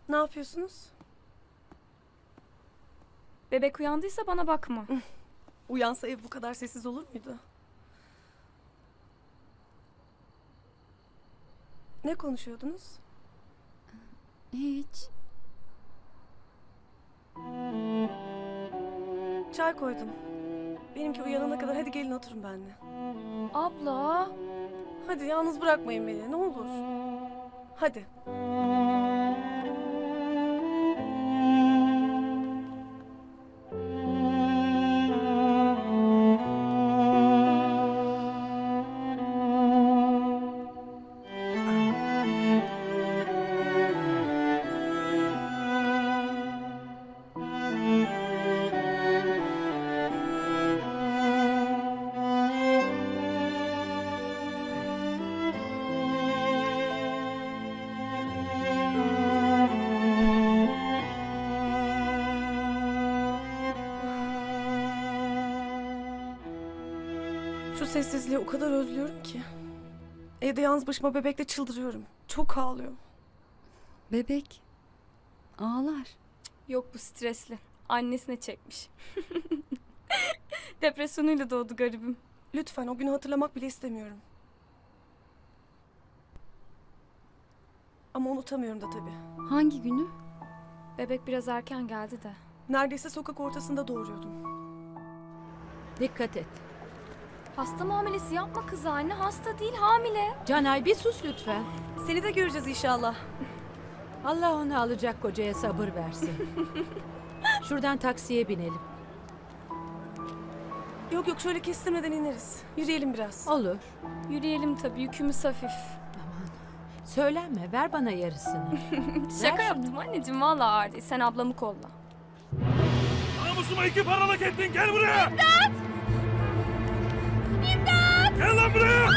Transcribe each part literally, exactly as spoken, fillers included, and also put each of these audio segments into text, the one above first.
Ne yapıyorsunuz? Bebek uyandıysa bana bakma. Uyansa ev bu kadar sessiz olur muydu? Ne konuşuyordunuz? Hiç. Çay koydum. Benimki uyanana kadar hadi gelin oturun benimle. Abla. Hadi yalnız bırakmayın beni ne olur. Hadi. Şu sessizliği o kadar özlüyorum ki. Evde yalnız başıma bebekle çıldırıyorum. Çok ağlıyor. Bebek. Ağlar. Yok bu stresli. Annesine çekmiş. Depresyonuyla doğdu garibim. Lütfen o günü hatırlamak bile istemiyorum. Ama unutamıyorum da tabii. Hangi günü? Bebek biraz erken geldi de. Neredeyse sokak ortasında doğuruyordum. Dikkat et. Hasta muamelesi yapma kızı anne. Hasta değil hamile. Canay bir sus lütfen. Seni de göreceğiz inşallah. Allah onu alacak kocaya sabır versin. Şuradan taksiye binelim. Yok yok şöyle kestirmeden ineriz. Yürüyelim biraz. Olur. Yürüyelim tabii yükümüz hafif. Aman. Söylenme, ver bana yarısını. Şaka Ver yaptım anneciğim vallahi ağır değil. Sen ablamı kolla. Namusuma iki paralık ettin, gel buraya! İmdat! İmdat! Gel lan buraya!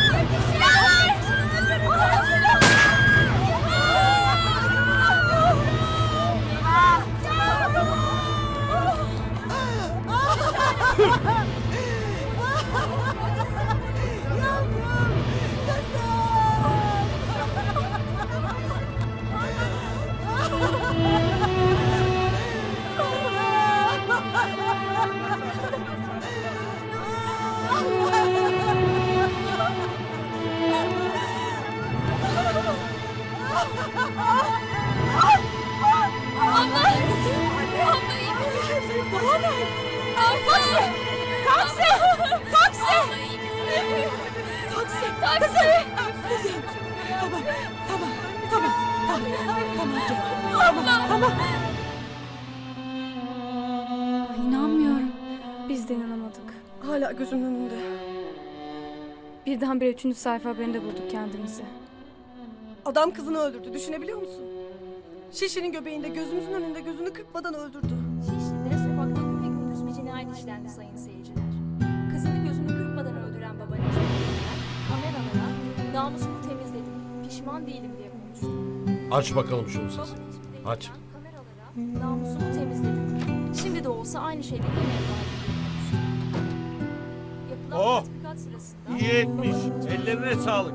Ay, inanmıyorum. Biz de inanamadık. Hala gözümün önünde. Birdenbire üçüncü sayfa haberinde bulduk kendimizi. Adam kızını öldürdü. Düşünebiliyor musun? Şişinin göbeğinde gözümüzün önünde gözünü kırpmadan öldürdü. Şişli'de sokakta gün ve gündüz bir cinayet işlendi sayın seyirciler. Kızını gözünü kırpmadan öldüren baba Necmi Bey'den kameralara namusumu temizledim, pişman değilim diye konuştu. Aç bakalım şunu Baba sesini. Necmi Bey'den Aç. kameralara namusumu temizledim. Şimdi de olsa aynı şeyleri yine yapardım diye konuştu. Yapılan Oh! tatbikat sırasında... İyi etmiş. baba- Ellerine sağlık.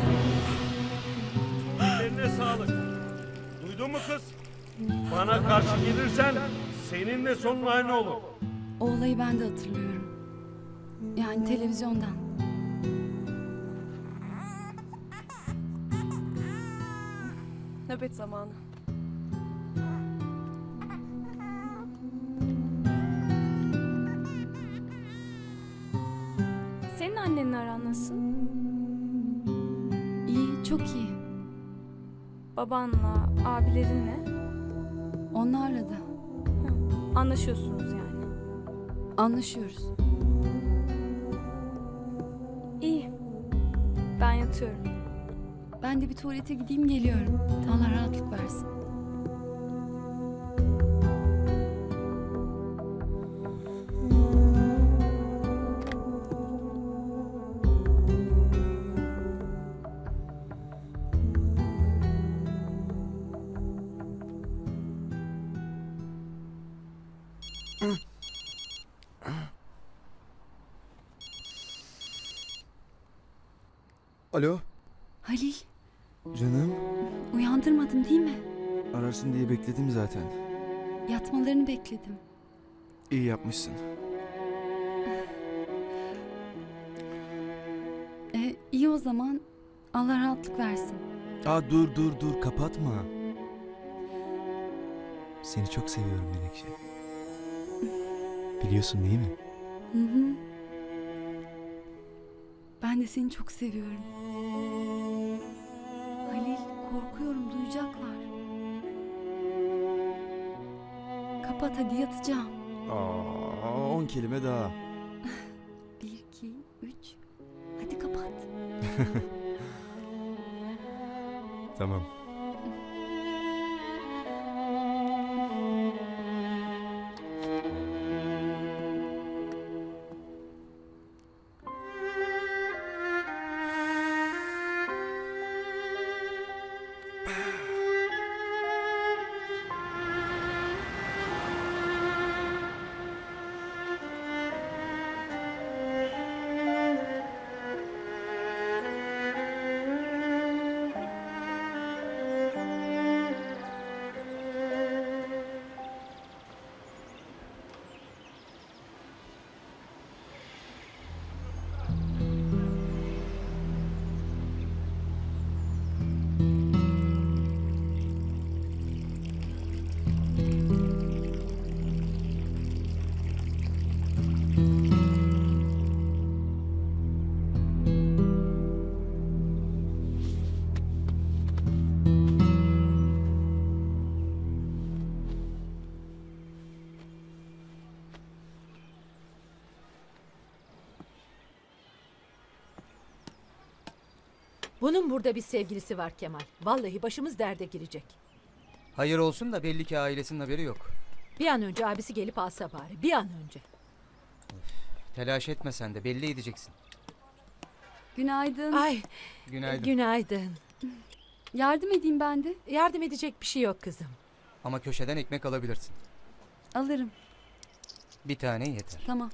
Ellerine sağlık. Duydun mu kız? Bana karşı gelirsen seninle sonun aynı olur. O olayı ben de hatırlıyorum. Yani televizyondan. Nöbet zamanı. Senin annenle aran nasıl? İyi, çok iyi. Babanla, abilerinle Onlarla da anlaşıyorsunuz yani. anlaşıyoruz. İyi. Ben yatıyorum. Ben de bir tuvalete gideyim geliyorum. Allah rahatlık versin. Alo, Halil, canım. uyandırmadım değil mi? Ararsın diye bekledim zaten. Yatmalarını bekledim. İyi yapmışsın. E, iyi o zaman. Allah rahatlık versin. Aa dur dur dur kapatma. Seni çok seviyorum Menekşe. Biliyorsun değil mi? Hı hı. Ben de seni çok seviyorum. Halil, korkuyorum, duyacaklar. Kapat hadi, yatacağım. Aa, on kelime daha. Bir, iki, üç. Hadi kapat. Tamam. Bunun burada bir sevgilisi var Kemal. Vallahi başımız derde girecek. Hayır olsun da belli ki ailesinin haberi yok. Bir an önce abisi gelip alsa bari. Bir an önce. Telaş etme sen de belli edeceksin. Günaydın. Ay Günaydın. günaydın. Yardım edeyim ben de. Yardım edecek bir şey yok kızım. Ama köşeden ekmek alabilirsin. Alırım. Bir tane yeter. Tamam.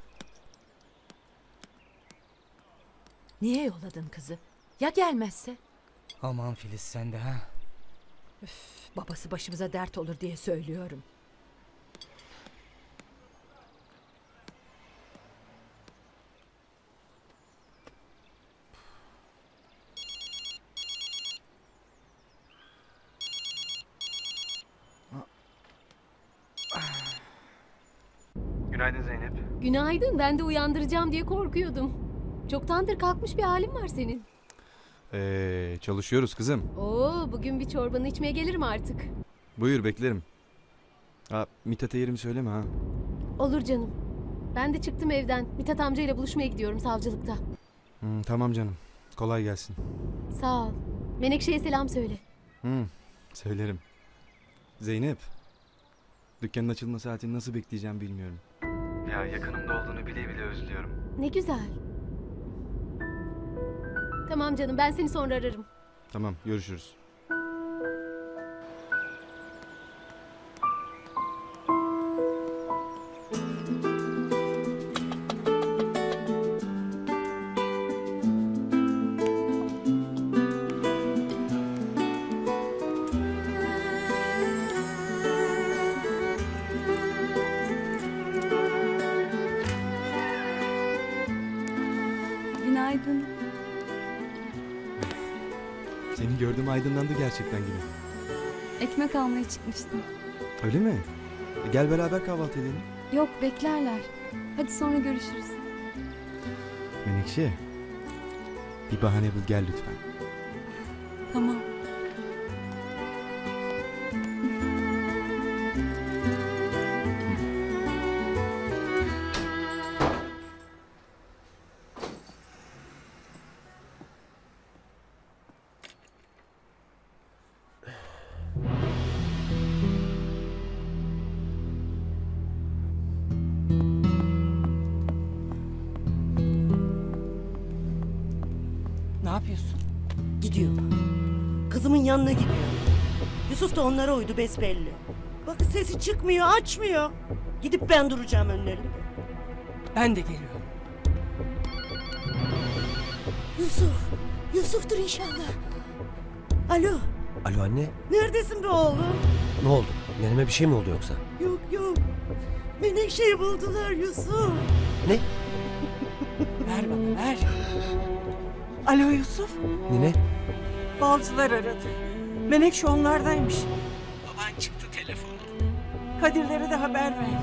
Niye yolladın kızı? Ya gelmezse? Aman Filiz sen de ha. Babası başımıza dert olur diye söylüyorum. Günaydın Zeynep. Günaydın. Ben de uyandıracağım diye korkuyordum. Çoktandır kalkmış bir halin var senin. Ee, çalışıyoruz kızım. Oo, bugün bir çorbanı içmeye gelirim artık. Buyur beklerim. Aa, Mithat'a yerimi söyleme ha. Olur canım. Ben de çıktım evden. Mithat amcayla buluşmaya gidiyorum savcılıkta. Hmm, tamam canım. Kolay gelsin. Sağ ol. Menekşe'ye selam söyle. Hmm, söylerim. Zeynep. Dükkanın açılma saatini nasıl bekleyeceğim bilmiyorum. Ya yakınımda olduğunu bile bile özlüyorum. Ne güzel. Tamam canım, ben seni sonra ararım. Tamam görüşürüz. Günaydın. Seni gördüm aydınlandı gerçekten gibi. Ekmek almaya çıkmıştım. Öyle mi? E, gel beraber kahvaltı edelim. Yok, beklerler. Hadi sonra görüşürüz. Menekşe. Bir bahane bul gel lütfen. Tamam. Ne yapıyorsun? Gidiyor. Kızımın yanına gidiyor. Yusuf da onlara uydu besbelli. Bakın sesi çıkmıyor, açmıyor. Gidip ben duracağım önlerinde. Ben de geliyorum. Yusuf, Yusuf'tur inşallah. Alo, Alo anne, Neredesin be oğlum? ne oldu? Neneme bir şey mi oldu yoksa? Yok yok. Menekşe'yi buldular Yusuf. Ne? Ver bana ver. Alo Yusuf. Nine? Balcılar aradı. Menekşe onlardaymış. Baban çıktı telefona. Kadirlere de haber verdi.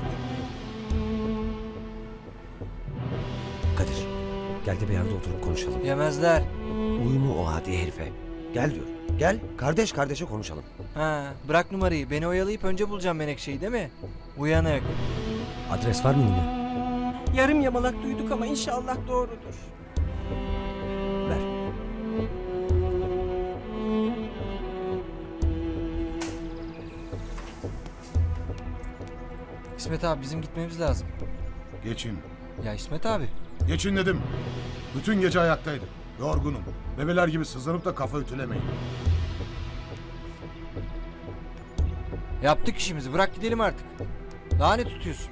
Kadir, gel de bir yerde oturup konuşalım. Yemezler. Uyumu o hadi herife. Gel diyor. Gel, kardeş kardeşe konuşalım. Ha, bırak numarayı. Beni oyalayıp önce bulacağım Menekşe'yi değil mi? Uyanık. Adres var mı Nine? Yarım yamalak duyduk ama inşallah doğrudur. Ver. İsmet abi bizim gitmemiz lazım. Geçin. Ya İsmet abi. Geçin dedim. Bütün gece ayaktaydım. Yorgunum. Bebeler gibi sızlanıp da kafa ütülemeyin. Yaptık işimizi. Bırak gidelim artık. Daha ne tutuyorsun?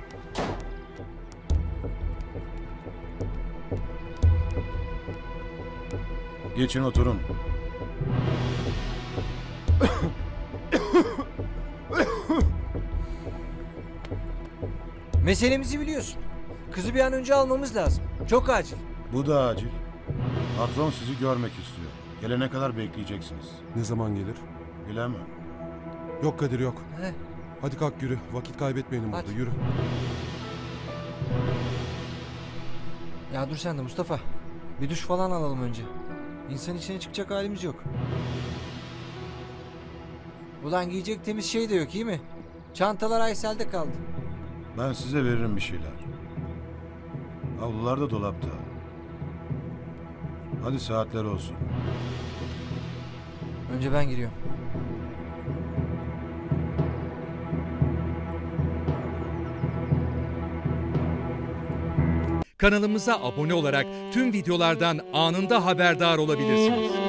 Geçin oturun. Meselemizi biliyorsun. Kızı bir an önce almamız lazım. Çok acil. Bu da acil. Patron sizi görmek istiyor. Gelene kadar bekleyeceksiniz. Ne zaman gelir? Bilemem. Yok Kadir yok. He. Hadi kalk yürü. Vakit kaybetmeyelim Hadi. burada. Yürü. Ya dur sen de Mustafa. Bir duş falan alalım önce. İnsan içine çıkacak halimiz yok. Ulan giyecek temiz şey de yok iyi mi? Çantalar Aysel'de kaldı. Ben size veririm bir şeyler. Havlular da dolapta. Hadi saatler olsun. Önce ben giriyorum. Kanalımıza abone olarak tüm videolardan anında haberdar olabilirsiniz.